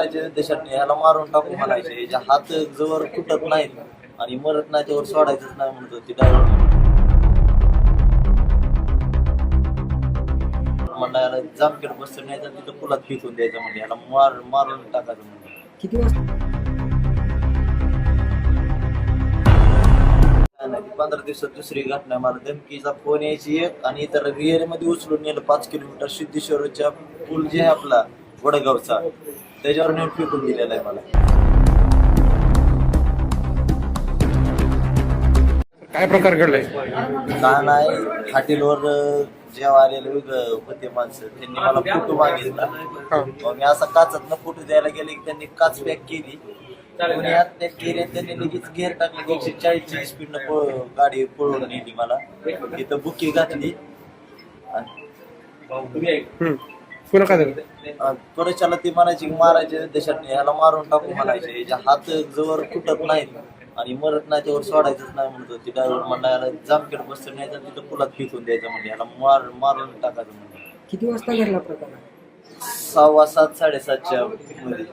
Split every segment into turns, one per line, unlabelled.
मारायचे देशात ह्याला मारून टाकू म्हणायचे, याच्या हात जवळ तुटत नाहीत आणि मरत नाही त्यावर सोडायचंच नाही म्हणत होती ड्रायव्हर. म्हणलं याला जामखेड बसून न्यायचं आणि तिथं पुलात फेकून द्यायचं, म्हणजे याला मारून टाकायचं म्हणजे.
किती वाजता?
15 दिवसात दुसरी घटना. मला धमकीचा फोन यायची एक, आणि इतर रिअल मध्ये उचलून नेलं 5 किलोमीटर सिद्धेश्वरच्या पूल जे आहे आपला वडगावचा, त्याच्यावर नेऊन फेकून दिलेला आहे मला.
काय प्रकार घडलाय?
का नाही, हॉटेलवर जेव्हा आलेले होते माणसं, त्यांनी मला फोटो मागितला. मग मी असा काचातनं फोटो द्यायला गेले की त्यांनी काच पॅक केली, कोणी हात पॅक केले, त्यांनी लगेच गेअर टाकले, 140ची स्पीडनं गाडी पळवून नेली मला. तिथं बुकी घातली
पुन्हा काय झालं?
त्वरेच्याला ती म्हणायची की मारायचे देशात ह्याला मारून टाकू म्हणायचे, याच्या हात जवळ तुटत नाहीत आणि मरत नाही त्यावर सोडायचंच नाही म्हणत होती ड्रायव्हर. म्हणला याला जामखेड बसून न्यायचं आणि तिथं पुलात फेकून द्यायचं, म्हणजे याला मारून टाकायचं म्हणजे.
किती वाजता घडला प्रकार?
6:15 7:30च्या मध्ये.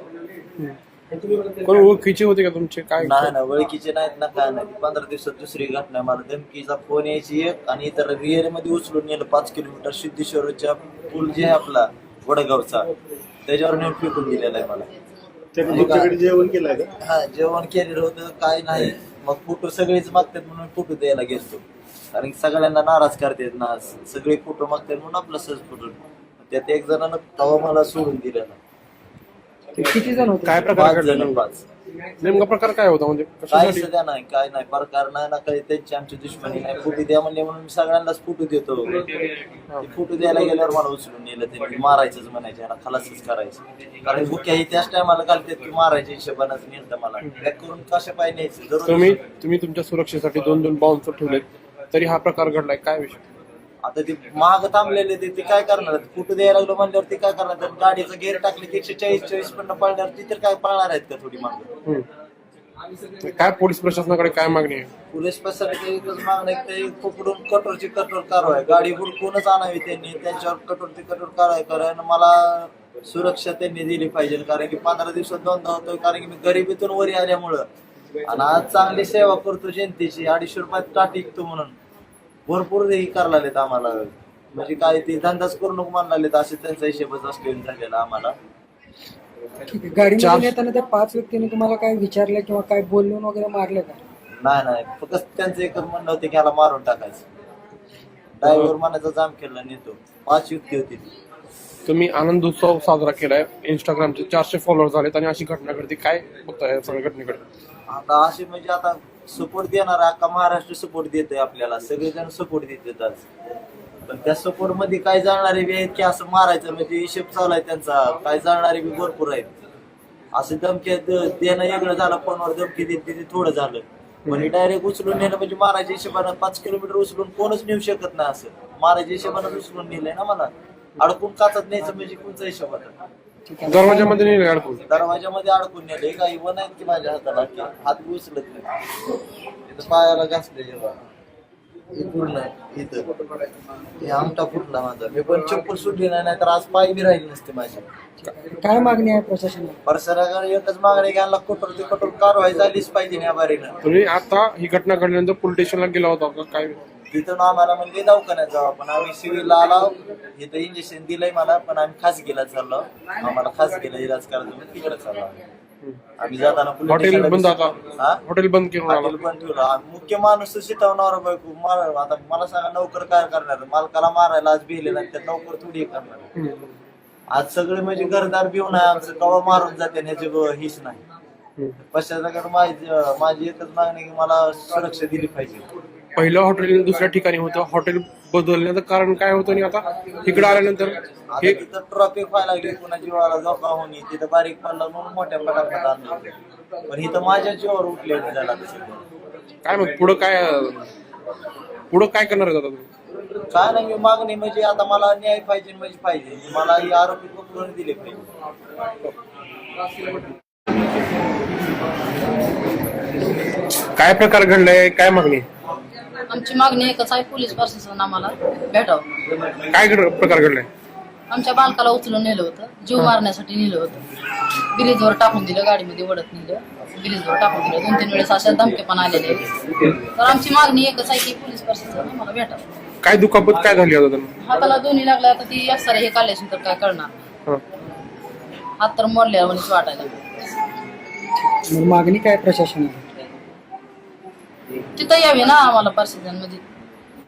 कोण ओळखीचे होते का तुमचे? काय
नाही ना, ओळखीचे नाहीत ना, काय नाही. 15 दिवसात दुसरी घटना. मला धमकीचा फोन यायची एक, आणि इतर रिअल मध्ये उचलून नेलं 5 किलोमीटर सिद्धेश्वरच्या पूल जे आहे आपला वडगावचा, त्याच्यावर नेऊन फेकून दिलेला आहे मला.
जेवण केलं का?
हा, जेवण केलेलं होतं, काय नाही. मग फोटो सगळेच मागतात म्हणून फोटो द्यायला गेलो, कारण की सगळ्यांना नाराज करतात ना, सगळे फोटो मागतात म्हणून आपला सहज फोटो. त्यात एक जणांना तवा मला सोडून दिलेला.
किती जण होते?
काय प्रकार
5 जण,
घडला?
5.
नेमका प्रकार काय होता? म्हणजे
काही
कशासाठी?
सध्या नाही, काय नाही प्रकार नाही ना, काही त्यांची आमची दुश्मनी नाही. फोटो द्या म्हणले म्हणून मी सगळ्यांनाच फोटो देतो. फोटो द्यायला गेल्यावर मला उचलून नेलं, त्यांनी मारायचंच म्हणायचे, यांना खलासच करायचं, कारण बुक्या ही त्याच टायमाला घालतात की मारायच्या हिशोबानंच नेलं मला. पॅक करून कशा पाय न्यायचं.
तुम्ही तुमच्या सुरक्षेसाठी 2 बाउन्सर ठेवलेत, तरी हा प्रकार घडलाय, काय विषय?
आता ते महाग थांबलेले ते काय करणार? फोटो द्यायला लागलो म्हणल्यावर ते काय करणार? तर गाडीचं गेअर टाकले की 140 पण पळणार, ती तर काय पळणार आहेत का थोडी मागं?
काय पोलीस प्रशासनाकडे काय मागणी आहे?
पोलीस प्रशासनाची एकच मागणं आहे की ते पकडून कठोरची कठोर कारवाई, गाडी हुडकूनच आणावी त्यांनी, त्यांच्यावर कठोरची कठोर कारवाई. कारण मला सुरक्षा त्यांनी दिली पाहिजे, कारण की 15 दिवसात 2दा होतोय, कारण की मी गरिबीतून वरी आल्यामुळं, आणि आज चांगली सेवा करतो जनतेची, 250 रुपयात का टिकतो म्हणून भरपूर हे करायला लागलेत आम्हाला. म्हणजे काय ते धंदाच करू नको म्हणायला लागलेत, असे त्यांचा हिशेबच असतो झालेला आम्हाला.
गाडीमध्ये येताना त्या 5 व्यक्तीने तुम्हाला काय विचारलं किंवा काय बोलून वगैरे मारलं का?
नाही, फक्त त्यांचं एकच म्हणणं होतं की ह्याला मारून टाकायचं. ड्रायव्हर म्हणायचा जामखेडला नेतो. 5 युक्ती होती ती.
तुम्ही आनंद उत्सव साजरा केलाय, इंस्टाग्रामचे 400 फॉलोअर झालेत, आणि अशी घटना घडते, काय बघताय या सगळ्या घटनेकडे?
आता असे म्हणजे आता सपोर्ट देणार, अख्खा महाराष्ट्र सपोर्ट देतोय आपल्याला, सगळेजण सपोर्ट देतात आज. पण त्या सपोर्ट मध्ये काय जाणारे बी आहेत की असं मारायचं, म्हणजे हिशेब चालू आहे त्यांचा. काय जाणारे बी भरपूर आहेत. असं धमकी देणं वेगळं झालं, फोनवर धमकी देते ते थोडं झालं, म्हणजे डायरेक्ट उचलून नेलं म्हणजे मारायच्या हिशोबानं. 5 किलोमीटर उचलून कोणच नेऊ शकत नाही, असं मारायच्या हिशोबानं उचलून नेलंय ना मला. अडकून काचत न्यायचं म्हणजे कोणचा हिशोब आता?
दरवाजामध्ये नाही अडकून?
दरवाजामध्ये अडकून नेले. काही वन आहेत की माझ्या हाताला, की हात उचलत नाही, इथं पायाला घासले जेव्हा पूर्ण इथं हे आमटा फुटला माझा. मी पण चप्पल सुटली नाही, तर आज पाय बी राहिली नसते माझी.
काय मागणी आहे प्रशासनाला?
प्रशासनाकडे एकच मागणी घ्यायला, कठोर ते कठोर कारवाई झालीच पाहिजे या बारीनं.
तुम्ही आता ही घटना घडल्यानंतर पोलीस स्टेशनला गेला होता का? काय
तिथून आम्हाला म्हणजे दवाखान्यात जाऊ आपण, आम्ही सिव्हिलला आलो, इथं इंजेक्शन दिलंय मला, पण आम्ही खासगीला चाललो. आम्हाला खासगीला इलाज करायचं म्हणून तिकडे चाललो आम्ही. जाताना
हॉटेल बंद, आता हॉटेल बंद केलं,
हॉटेल बंद ठेवलं. मुख्य माणूस शिटवणार बायको मार. आता मला सांगा, नोकर काय करणार? मालकाला मारायला आज भिले नाही, तर नोकर थोडी करणार. आज सगळे म्हणजे घरदार भिवून आहे आमचं, कवा मारून जाते ह्याची हीच नाही. पश्चात माझी एकच मागणी की मला सुरक्षा दिली पाहिजे.
पहिलं हॉटेल दुसऱ्या ठिकाणी होतं, हॉटेल बदलण्याचं कारण काय होतं, आणि आता इकडे आल्यानंतर
हे तिथं ट्रॉफिक व्हायला लागली, कुणा जीवाला धोका होणे, तिथं बारीक पडला म्हणून मोठ्या पटापट आणलं. पण इथं माझ्या जीवावर उठले झाला.
काय मग पुढं काय करणार आहे आता तुम्ही?
काय नाही, मी मागणी म्हणजे आता मला न्याय पाहिजे म्हणजे पाहिजे, मला ही आरोपी पकडून दिले पाहिजे.
काय प्रकार घडलाय, काय मागणी?
आमची मागणी एकच आहे, पोलीस प्रशासन आम्हाला भेटावं.
काय प्रकार घडलाय?
आमच्या बालकाला उचलून नेलं होतं, जीव मारण्यासाठी नेलं होतं. ब्रिजवर टाकून दिलं, गाडीमध्ये वडत नेलं, ब्रिजवर टाकून दिलं. 2-3 वेळेस अशा धमके पण आलेले. तर आमची मागणी एकच आहे की पोलीस प्रशासन आम्हाला भेटावं.
काय दुखापत काय झाली आता त्यांना?
हाताला दोन्ही लागल्या, आता ती एक्सरे हे काढल्याशिवाय तर काय करणार.
हं.
हात तर मोडल्या म्हणून वाटायला.
मग मागणी काय प्रशासनाला?
तिथं यावी ना आम्हाला प्रशासन, म्हणजे